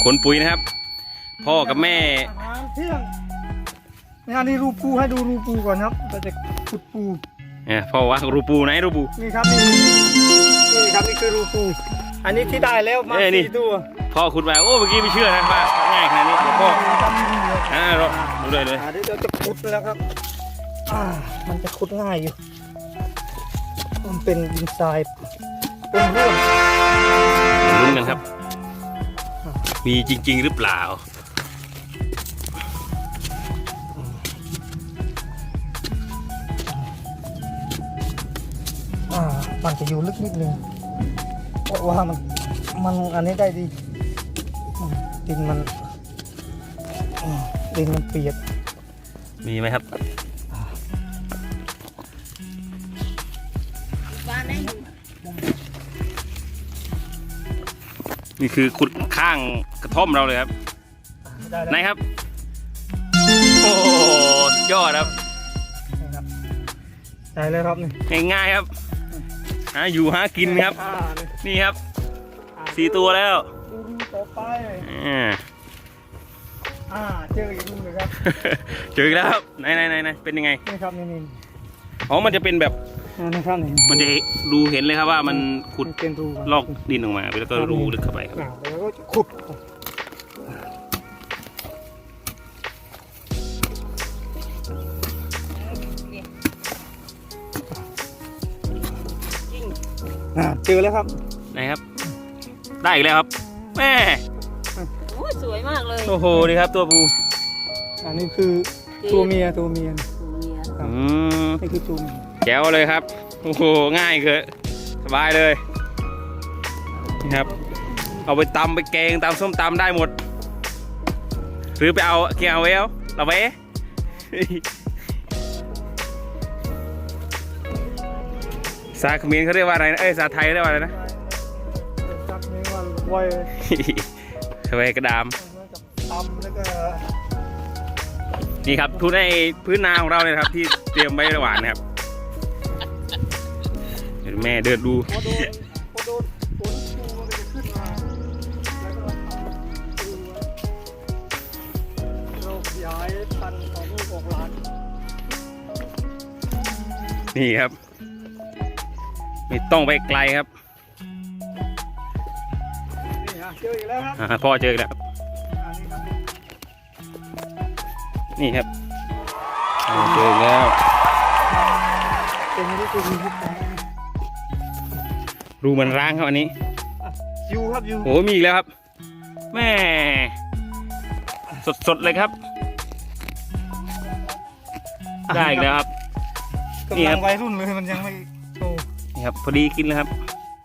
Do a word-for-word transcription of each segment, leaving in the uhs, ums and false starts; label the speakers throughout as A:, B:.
A: ขนปุ๋ยนะครับพ่อกับแม่
B: อาหารเที่ยงนี่นี่รูปูให้ดูรูปูก่อนครับเราจะขุดปู
A: เนี่ยพ่อว่ารูปูไหนรูปู
B: นี่ครับนี่นี่ครับนี่คือรูปูอันนี้ที่ได้แล้วมาสี่ตัว
A: พ่อขุดมาโอ้เมื่อกี้ไม่เชื่อนะว่าง่ายขนาดนี้เดี๋ยวพ่ออ่าเราดูเลยเลย
B: เดี๋ยวเราจะขุดแล้วครับอ่ามันจะขุดง่ายอยู่มันเป็นดินทรายเป็นร่วน
A: ลุ้นกันครับมีจริงๆหรือเปล่า
B: อ่ามันจะอยู่ลึกนิดนึงเพราะว่ามันมันอันนี้ได้ดีดินมันดินมันเปียก
A: มีไหมครับนี่คือขุดข้างกระท่อมเราเลยครับไหนครับโอ้ยอดครับ
B: ได้เลยครับ
A: นี่ง่ายๆครับหาอยู่หากินครับนี่ครับสี่ตัวแล้ว
B: ดูต่อไป
A: อ่า
B: อ่าเจออีกลูกเลยครับ
A: เจออีกแล้วครับไหนไหนไหนไหนเป็นยังไง
B: นี่ครับนี่นี่
A: อ๋อมันจะเป็นแบบ
B: นะครับนี่
A: มันจะดูเห็นเลยครับว่ามันขุด
B: เป็นรู
A: ลอกดินออกมาแล้วก็รูลึกเข้าไปครับ
B: แล้วก็ขุดเจอแล้วครับ
A: ไหนครับได้อีกแล้วครับแม่
C: โอ้สวยมากเลย
A: โอ้โหนี่ครับตัวปู
B: อันนี้คือตัวเมียตัวเมีย
A: อืม
B: นี่คือตัวเมีย
A: แจ๋วเลยครับโอ้โหง่ายเกินสบายเลยนี่ครับเอาไปตำไปแกงตำส้มตำได้หมดหรือไปเอาเกี่ยวเอลเราไปสาเขมรเขาเรียกว่าอะไรนะเอ้ยสาไทยเรียกว่าอะไรนะ
B: สักนี้ว่าไว
A: ไวกระดาม
B: ตำแล้วก็
A: นี่ครับทุนในพื้นนาของเราเลยครับที่เตรียมไว้ระหว่างนะครับเดี๋ยวแม่เดินดู
B: พอโดนพอโดนฝนปูมันจะขึ้นมาแล้วก็ทำปูไว้เราย้ายพันธุ์ของลูกของหลาน
A: นี่ครับไม่ต้องไปไกลครับ
B: นี่ฮะเจออีกแล้วครับ
A: พ่อเจออีกแล้วนี่ครับเจอแล้วรูมันร้างครับอันนี้
B: ยูครับยู
A: โอ้มีอีกแล้วครับแม่สดๆเลยครับได้อีกแล้วครับ
B: นี่ครับวัยรุ่นเลยมันยังไม่โต
A: นี่ครับพอดีกินเลยครับ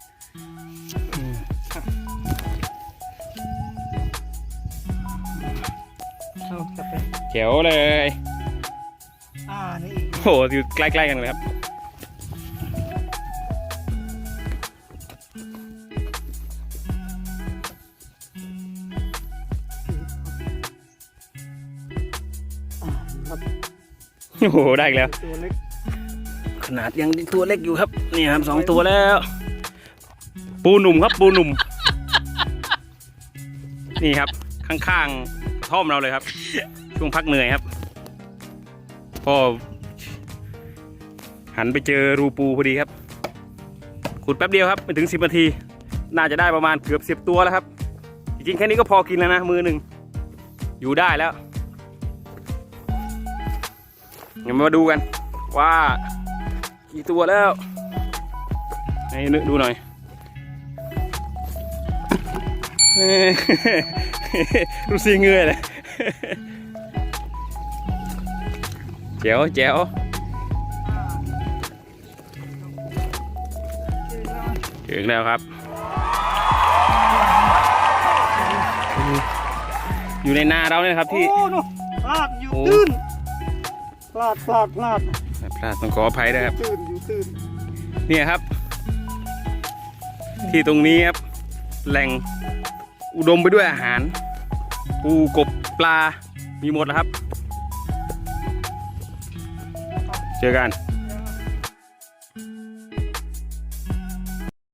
A: เจ๋วเลย
B: อ่านี่
A: โอ้อยู่ใกล้ๆกันเลยครับโอ้โหได้อีกแล้วขนาดยังตัวเล็กอยู่ครับนี่ครับสองตัวแล้วปูหนุ่มครับปูหนุ่มนี่ครับข้างๆกระท่อมเราเลยครับช่วงพักเหนื่อยครับพ่อหันไปเจอรูปูพอดีครับขุดแป๊บเดียวครับไม่ถึงสิบนาทีน่าจะได้ประมาณเกือบสิบตัวแล้วครับจริงๆแค่นี้ก็พอกินแล้วนะมือหนึ่งอยู่ได้แล้วเดี๋ยวมาดูกันว่ากี่ตัวแล้วให้นึกดูหน่อยรู้สึกเงื่อยเลยแจ๋วแจ๋วถึงแล้วครับอยู่ในนาเราเนี่ยครับที่
B: พลาดอยู่ตื้นพลาดพลาดพลาด
A: พลาดต้องขออภัยด้วยครับ
B: ตื้นอยู่ตื้น
A: เนี่ยครับที่ตรงนี้ครับแหล่งอุดมไปด้วยอาหารปูกบปลามีหมดแล้วครับเจอกัน